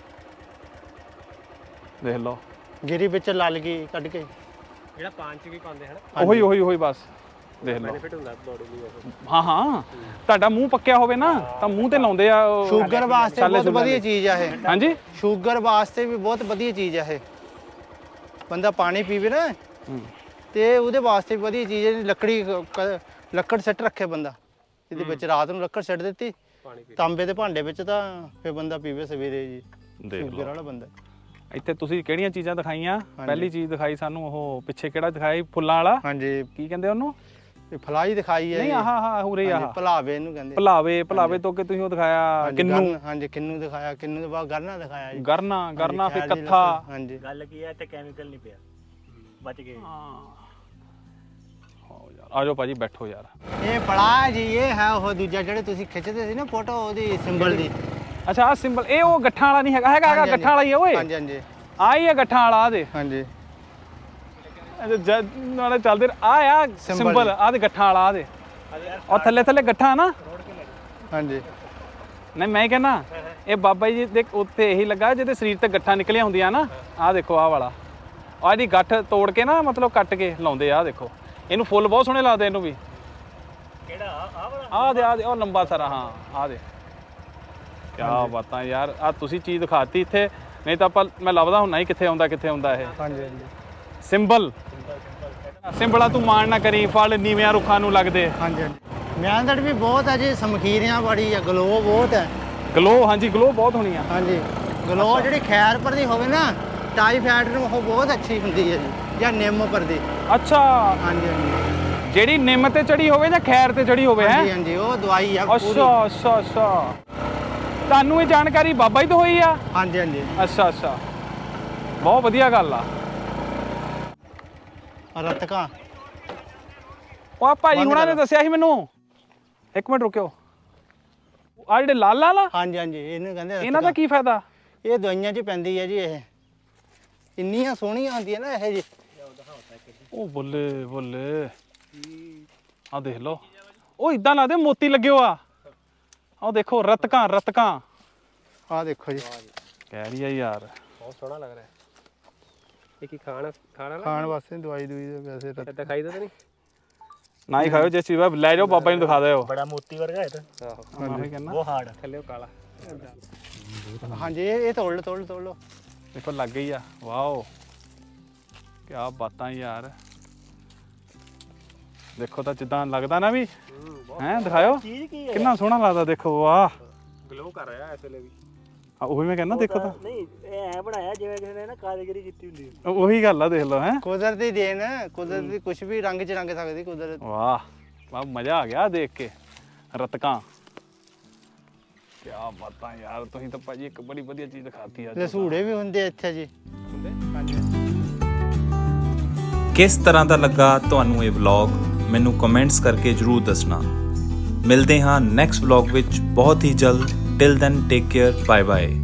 Speaker 1: ਦੇਖ ਲਓ
Speaker 3: ਗਿਰੀ ਵਿੱਚ ਲਲ ਗਈ ਕੱਢ ਕੇ।
Speaker 5: ਜਿਹੜਾ ਪਾਨ 'ਚ ਵੀ ਪਾਉਂਦੇ ਹਨ,
Speaker 1: ਉਹੀ ਬਸ ਦੇਖ ਲਓ।
Speaker 5: ਬੈਨੀਫਿਟ ਹੁੰਦਾ ਬੋਡੀ ਲਈ।
Speaker 1: ਹਾਂ ਤੁਹਾਡਾ ਮੂੰਹ ਪੱਕਿਆ ਹੋਵੇ ਨਾ ਤਾਂ ਮੂੰਹ ਤੇ ਲਾਉਂਦੇ ਆ ਉਹ
Speaker 3: ਸ਼ੂਗਰ ਵਾਸਤੇ
Speaker 1: ਛਾਲੇ
Speaker 3: ਬਹੁਤ ਵਧੀਆ
Speaker 1: ਛੂਲੇ।
Speaker 3: ਚੀਜ਼ ਆ ਇਹ।
Speaker 1: ਹਾਂਜੀ
Speaker 3: ਸ਼ੂਗਰ ਵਾਸਤੇ ਵੀ ਬਹੁਤ ਵਧੀਆ ਚੀਜ਼ ਆ ਇਹ। ਬੰਦਾ ਪਾਣੀ ਪੀਵੇ ਨਾ ਤੇ ਉਹਦੇ ਵਾਸਤੇ ਵੀ ਵਧੀਆ ਚੀਜ਼ ਹੈ। ਲੱਕੜ ਸੱਟ ਰੱਖੇ ਬੰਦਾ ਇਹਦੇ ਵਿੱਚ, ਰਾਤ ਨੂੰ ਲੱਕੜ ਸੱਟ ਦਿੱਤੀ ਤਾਂਬੇ ਦੇ ਭਾਂਡੇ ਵਿੱਚ, ਤਾਂ ਫਿਰ ਬੰਦਾ ਪੀਵੇ ਸਵੇਰੇ ਜੀ।
Speaker 1: ਦੇਖ
Speaker 3: ਸ਼ੂਗਰ ਵਾਲਾ ਬੰਦਾ
Speaker 1: ਇੱਥੇ ਤੁਸੀਂ ਕਿਹੜੀਆਂ ਚੀਜ਼ਾਂ ਦਿਖਾਈਆਂ? ਪਹਿਲੀ ਚੀਜ਼ ਦਿਖਾਈ ਸਾਨੂੰ ਉਹ ਪਿੱਛੇ ਕਿਹੜਾ ਦਿਖਾਈ ਫੁੱਲਾਂ ਵਾਲਾ,
Speaker 3: ਹਾਂਜੀ
Speaker 1: ਕੀ ਕਹਿੰਦੇ ਉਹਨੂੰ?
Speaker 3: ਇਹ ਫਲਾਈ ਦਿਖਾਈ ਹੈ
Speaker 1: ਨਹੀਂ ਆਹ ਉਰੇ ਆਹ
Speaker 3: ਭਲਾਵੇ ਇਹਨੂੰ ਕਹਿੰਦੇ।
Speaker 1: ਭਲਾਵੇ ਤੋਂ ਕਿ ਤੁਸੀਂ ਉਹ ਦਿਖਾਇਆ ਕਿੰਨੂ।
Speaker 3: ਹਾਂਜੀ ਕਿੰਨੂ ਦਿਖਾਇਆ, ਕਿੰਨੂ ਦੇ ਬਾਅਦ ਗਰਨਾ ਦਿਖਾਇਆ ਜੀ।
Speaker 1: ਗਰਨਾ ਫਿਰ ਕੱਥਾ।
Speaker 3: ਹਾਂਜੀ
Speaker 2: ਗੱਲ ਕੀ ਹੈ ਇੱਥੇ ਕੈਮੀਕਲ ਨਹੀਂ ਪਿਆ, ਬਚ ਗਏ।
Speaker 1: ਆਜੋ ਭਾਜੀ ਬੈਠੋ ਯਾਰ।
Speaker 3: ਇਹ ਬੜਾ ਜੀ, ਇਹ ਹੈ ਉਹ ਦੂਜਾ ਜਿਹੜੇ ਤੁਸੀਂ ਖਿੱਚਦੇ ਸੀ ਨਾ ਫੋਟੋ ਉਹਦੀ ਸਿੰਬਲ ਦੀ।
Speaker 1: ਅੱਛਾ ਆ ਸਿੰਬਲ, ਇਹ ਉਹ ਗੱਠਾਂ ਵਾਲਾ ਨਹੀਂ ਹੈਗਾ ਗੱਠਾਂ ਵਾਲਾ ਹੀ ਹੈ ਓਏ।
Speaker 3: ਹਾਂਜੀ ਹਾਂਜੀ
Speaker 1: ਆ ਹੀ ਹੈ ਗੱਠਾਂ ਵਾਲਾ ਦੇ।
Speaker 3: ਹਾਂਜੀ
Speaker 1: ਨਾਲੇ ਚੱਲਦੇ ਆ ਸਿੰਬਲ ਆ ਦੇ ਗੱਠਾਂ ਵਾਲਾ ਆ ਦੇ, ਉਹ ਥੱਲੇ ਗੱਠਾਂ ਨਾ।
Speaker 3: ਹਾਂਜੀ
Speaker 1: ਨਹੀਂ ਮੈਂ ਕਹਿੰਦਾ ਇਹ ਬਾਬਾ ਜੀ ਦੇ ਉੱਤੇ ਇਹੀ ਲੱਗਾ ਜਿਹਦੇ ਸਰੀਰ ਤੇ ਗੱਠਾਂ ਨਿਕਲੀਆਂ ਹੁੰਦੀਆਂ ਨਾ। ਆਹ ਦੇਖੋ ਆਹ ਵਾਲਾ, ਆਹ ਇਹਦੀ ਗੱਠ ਤੋੜ ਕੇ ਨਾ ਮਤਲਬ ਕੱਟ ਕੇ ਲਾਉਂਦੇ ਆ। ਦੇਖੋ ਇਹਨੂੰ ਫੁੱਲ ਬਹੁਤ ਸੋਹਣੇ ਲੱਗਦੇ ਇਹਨੂੰ ਵੀ।
Speaker 2: ਕਿਹੜਾ ਆ ਵਾਲਾ?
Speaker 1: ਆਹ ਦੇ ਉਹ ਲੰਬਾ ਸਾਰਾ। ਹਾਂ ਆਹ ਦੇ, ਕਿਆ ਬਾਤਾਂ ਯਾਰ। ਆ ਤੁਸੀਂ ਚੀਜ਼ ਦਿਖਾਤੀ ਇੱਥੇ, ਨਹੀਂ ਤਾਂ ਆਪਾਂ ਮੈਂ ਲੱਭਦਾ ਹੁੰਨਾ ਹੀ ਕਿੱਥੇ ਆਉਂਦਾ ਇਹ
Speaker 3: ਹਾਂਜੀ
Speaker 1: ਸਿੰਬਲ। ਸਿੰਬਲਾ ਤੂੰ ਮਾਣ ਨਾ ਕਰੀ, ਫਲ ਨੀਵਿਆਂ ਰੁੱਖਾਂ ਨੂੰ ਲੱਗਦੇ।
Speaker 3: ਹਾਂਜੀ ਮਿਆਂਦੜ ਵੀ ਬਹੁਤ ਹੈ ਜੀ, ਸਮਖੀਰੀਆਂ ਬੜੀ ਹੈ, ਗਲੋ ਬਹੁਤ ਹੈ।
Speaker 1: ਗਲੋ, ਹਾਂਜੀ ਗਲੋ ਬਹੁਤ ਹੋਣੀ ਆ।
Speaker 3: ਹਾਂਜੀ ਗਲੋ ਜਿਹੜੀ ਖੈਰਪੁਰ ਦੀ ਹੋਵੇ ਨਾ, ਟਾਈਫਾਇਡ ਨੂੰ ਉਹ ਬਹੁਤ ਅੱਛੀ ਹੁੰਦੀ ਹੈ ਜੀ, ਜਾਂ ਨਿੰਮਪੁਰ ਦੀ।
Speaker 1: ਅੱਛਾ
Speaker 3: ਹਾਂਜੀ ਹਾਂਜੀ
Speaker 1: ਜਿਹੜੀ ਨਿੰਮ ਤੇ ਚੜੀ ਹੋਵੇ ਜਾਂ ਖੈਰ ਤੇ ਚੜੀ ਹੋਵੇ ਹੈ?
Speaker 3: ਹਾਂਜੀ ਹਾਂਜੀ ਉਹ ਦਵਾਈ ਆ ਪੂਰੀ।
Speaker 1: ਅੱਛਾ ਤੁਹਾਨੂੰ ਇਹ ਜਾਣਕਾਰੀ ਬਾਬਾ ਜੀ ਤੋਂ ਹੋਈ ਆ?
Speaker 3: ਹਾਂਜੀ ਹਾਂਜੀ
Speaker 1: ਅੱਛਾ ਬਹੁਤ ਵਧੀਆ ਗੱਲ ਆ।
Speaker 3: ਰਤਕਾ
Speaker 1: ਉਹ ਭਾਜੀ ਹੁਣਾਂ ਨੇ ਦੱਸਿਆ ਸੀ ਮੈਨੂੰ। ਇੱਕ ਮਿੰਟ ਰੁਕਿਓ, ਆ ਜਿਹੜੇ ਲਾਲ ਆ
Speaker 3: ਹਾਂਜੀ ਹਾਂਜੀ ਇਹਨੂੰ ਕਹਿੰਦੇ
Speaker 1: ਇਹਨਾਂ ਦਾ ਕੀ ਫਾਇਦਾ?
Speaker 3: ਇਹ ਦਵਾਈਆਂ 'ਚ ਪੈਂਦੀ ਹੈ ਜੀ। ਇਹ ਇੰਨੀਆਂ ਸੋਹਣੀਆਂ ਹੁੰਦੀਆਂ ਨਾ ਇਹ ਜੀ।
Speaker 1: ਉਹ ਬੱਲੇ ਆ ਦੇਖ ਲਓ, ਉਹ ਇਦਾਂ ਲੱਗਦੇ ਮੋਤੀ ਲੱਗਿਓ ਆ। ਆਹ ਦੇਖੋ ਰਤਕਾਂ
Speaker 3: ਆਹ ਦੇਖੋ ਜੀ,
Speaker 1: ਕਹਿ ਰਹੀ ਆ ਯਾਰ।
Speaker 5: ਬਹੁਤ ਸੋਹਣਾ ਲੱਗ ਰਿਹਾ। ਇਹ ਕੀ ਖਾਣਾ
Speaker 3: ਖਾਣ ਵਾਸਤੇ ਦਵਾਈ ਦੂਈ ਦੇ ਵੈਸੇ ਤਾਂ
Speaker 5: ਦਿਖਾਈ ਤਾਂ ਨਹੀਂ?
Speaker 1: ਨਾ ਹੀ ਖਾਓ, ਜੇ ਚੀਜ਼ ਲੈ ਜਾਓ ਬਾਬਾ ਜੀ ਨੂੰ ਦਿਖਾ ਦਿਓ।
Speaker 2: ਬੜਾ ਮੋਤੀ ਵਰਗਾ ਹੈ ਤਾਂ।
Speaker 5: ਆਹੋ
Speaker 1: ਮੈਂ ਕਹਿੰਦਾ
Speaker 2: ਉਹ ਹਾਰਡ
Speaker 5: ਥੱਲੇ ਉਹ ਕਾਲਾ।
Speaker 3: ਹਾਂਜੀ ਇਹ ਤੋੜ ਲਓ।
Speaker 1: ਦੇਖੋ ਲੱਗ ਗਈ ਆ। ਵਾਓ ਕਿਆ ਬਾਤਾਂ ਯਾਰ। ਦੇਖੋ ਤਾਂ ਜਿੱਦਾਂ ਲੱਗਦਾ ਨਾ ਵੀ ਹੈ, ਦਿਖਾਓ
Speaker 2: ਚੀਜ਼ ਕੀ ਹੈ?
Speaker 1: ਕਿੰਨਾ ਸੋਹਣਾ ਲੱਗਦਾ। ਦੇਖੋ ਵਾਹ,
Speaker 5: ਗਲੋ ਕਰ ਰਿਹਾ ਇਸ ਵੇਲੇ ਵੀ।
Speaker 1: ਉਹੀ ਮੈਂ ਕਹਿੰਦਾ। ਦੇਖੋ ਤਾਂ
Speaker 2: ਨਹੀਂ ਇਹ ਐ ਬਣਾਇਆ ਜਿਵੇਂ ਕਿਸੇ ਨੇ ਨਾ ਕਾਰੀਗਰੀ ਕੀਤੀ ਹੁੰਦੀ ਹੈ।
Speaker 1: ਉਹੀ ਗੱਲ ਆ, ਦੇਖ ਲਓ ਹੈ।
Speaker 3: ਕੁਦਰਤੀ ਦੇਣ, ਕੁਦਰਤੀ ਕੁਝ ਵੀ ਰੰਗ 'ਚ ਰੰਗ ਸਕਦੀ ਕੁਦਰਤ।
Speaker 1: ਵਾਹ ਮਜ਼ਾ ਆ ਗਿਆ ਦੇਖ ਕੇ। ਰਤਕਾਂ ਕਿਆ ਬਾਤਾਂ ਯਾਰ। ਤੁਸੀਂ ਤਾਂ ਭਾਜੀ ਇੱਕ ਬੜੀ ਵਧੀਆ ਚੀਜ਼ ਦਿਖਾਤੀ ਅੱਜ।
Speaker 3: ਰਸੂੜੇ ਵੀ ਹੁੰਦੇ ਇੱਥੇ ਜੀ। ਹਾਂਜੀ
Speaker 4: ਕਿਸ ਤਰ੍ਹਾਂ ਦਾ ਲੱਗਾ ਤੁਹਾਨੂੰ ਇਹ ਵਲੌਗ? ਮੈਨੂੰ ਕਮੈਂਟਸ ਕਰਕੇ ਜਰੂਰ ਦੱਸਣਾ। ਮਿਲਦੇ ਹਾਂ ਨੈਕਸਟ ਵਲੌਗ ਵਿੱਚ ਬਹੁਤ ਹੀ ਜਲਦ। Till then take care, bye bye.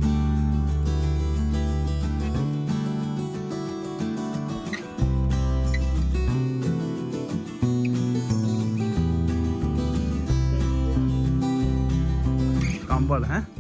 Speaker 1: ਕੰਬਲ ਹੈ।